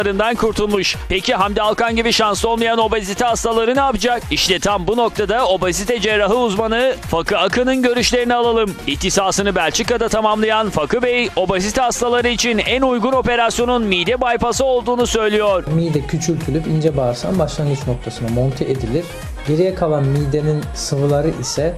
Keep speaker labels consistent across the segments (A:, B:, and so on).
A: kurtulmuş. Peki Hamdi Alkan gibi şanslı olmayan obezite hastaları ne yapacak? İşte tam bu noktada obezite cerrahı uzmanı Fakı Akın'ın görüşlerini alalım. İhtisasını Belçika'da tamamlayan Fakı Bey, obezite hastaları için en uygun operasyonun mide bypass'ı olduğunu söylüyor.
B: Mide küçültülüp ince bağırsağın başlangıç noktasına monte edilir. Geriye kalan midenin sıvıları ise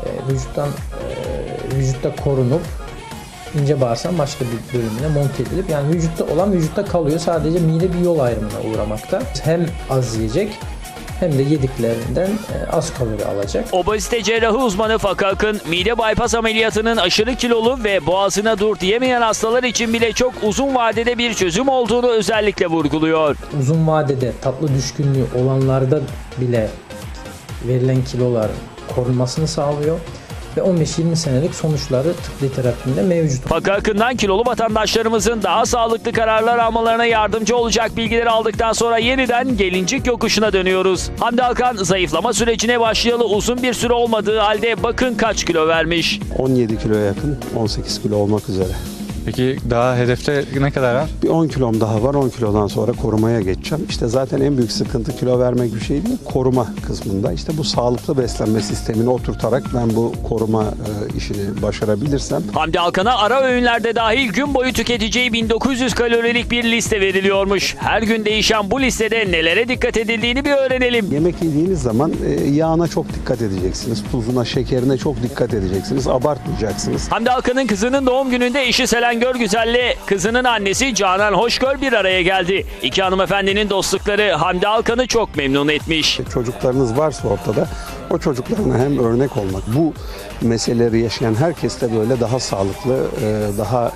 B: vücutta korunup ince bağırsağın başka bir bölümüne monte edilip, yani vücutta olan vücutta kalıyor. Sadece mide bir yol ayrımına uğramakta. Hem az yiyecek hem de yediklerinden az kalori alacak.
A: Obezite cerrahı uzmanı Fakı Akın, mide bypass ameliyatının aşırı kilolu ve boğazına dur diyemeyen hastalar için bile çok uzun vadede bir çözüm olduğunu özellikle vurguluyor.
B: Uzun vadede tatlı düşkünlüğü olanlarda bile verilen kiloların korunmasını sağlıyor ve 15-20 senelik sonuçları tıp literatüründe mevcut.
A: Fakı Akın'dan kilolu vatandaşlarımızın daha sağlıklı kararlar almalarına yardımcı olacak bilgileri aldıktan sonra yeniden gelincik yokuşuna dönüyoruz. Hamdi Alkan zayıflama sürecine başlayalı uzun bir süre olmadığı halde bakın kaç kilo vermiş.
C: 17 kiloya yakın, 18 kilo olmak üzere.
D: Peki daha hedefte ne kadar var?
C: Bir 10 kilom daha var. 10 kilodan sonra korumaya geçeceğim. İşte zaten en büyük sıkıntı kilo vermek bir şey değil, koruma kısmında. İşte bu sağlıklı beslenme sistemini oturtarak ben bu koruma işini başarabilirsem.
A: Hamdi Alkan'a ara öğünlerde dahil gün boyu tüketeceği 1900 kalorilik bir liste veriliyormuş. Her gün değişen bu listede nelere dikkat edildiğini bir öğrenelim.
C: Yemek yediğiniz zaman yağına çok dikkat edeceksiniz. Tuzuna, şekerine çok dikkat edeceksiniz. Abartmayacaksınız.
A: Hamdi Alkan'ın kızının doğum gününde eşi Selen Görgüzel'le kızının annesi Canan Hoşgör bir araya geldi. İki hanımefendinin dostlukları Hamdi Alkan'ı çok memnun etmiş.
C: Çocuklarınız varsa ortada, o çocuklarına hem örnek olmak, bu meseleleri yaşayan herkes de böyle daha sağlıklı, daha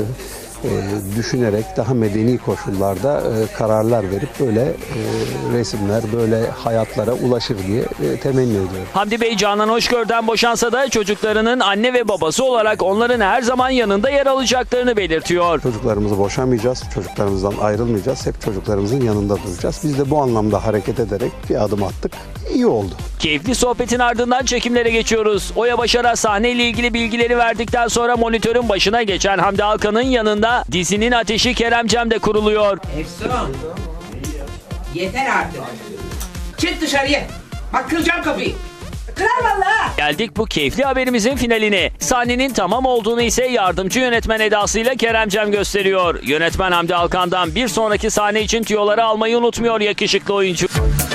C: düşünerek, daha medeni koşullarda kararlar verip böyle resimler, böyle hayatlara ulaşır diye temenni ediyorum.
A: Hamdi Bey Canan Hoşgör'den boşansa da çocuklarının anne ve babası olarak onların her zaman yanında yer alacaklarını belirtiyor.
C: Çocuklarımızı boşamayacağız, çocuklarımızdan ayrılmayacağız, hep çocuklarımızın yanında duracağız. Biz de bu anlamda hareket ederek bir adım attık. İyi oldu.
A: Keyifli sohbetin ardından çekimlere geçiyoruz. Oya Başar'a sahneyle ilgili bilgileri verdikten sonra monitörün başına geçen Hamdi Alkan'ın yanında dizinin ateşi Kerem Cem de kuruluyor.
E: Efsun. Yeter artık. Çık dışarıya. Bak kıracağım kapıyı. Kırar vallahi.
A: Geldik bu keyifli haberimizin finaline. Sahnenin tamam olduğunu ise yardımcı yönetmen edasıyla Kerem Cem gösteriyor. Yönetmen Hamdi Alkan'dan bir sonraki sahne için tüyoları almayı unutmuyor yakışıklı oyuncu.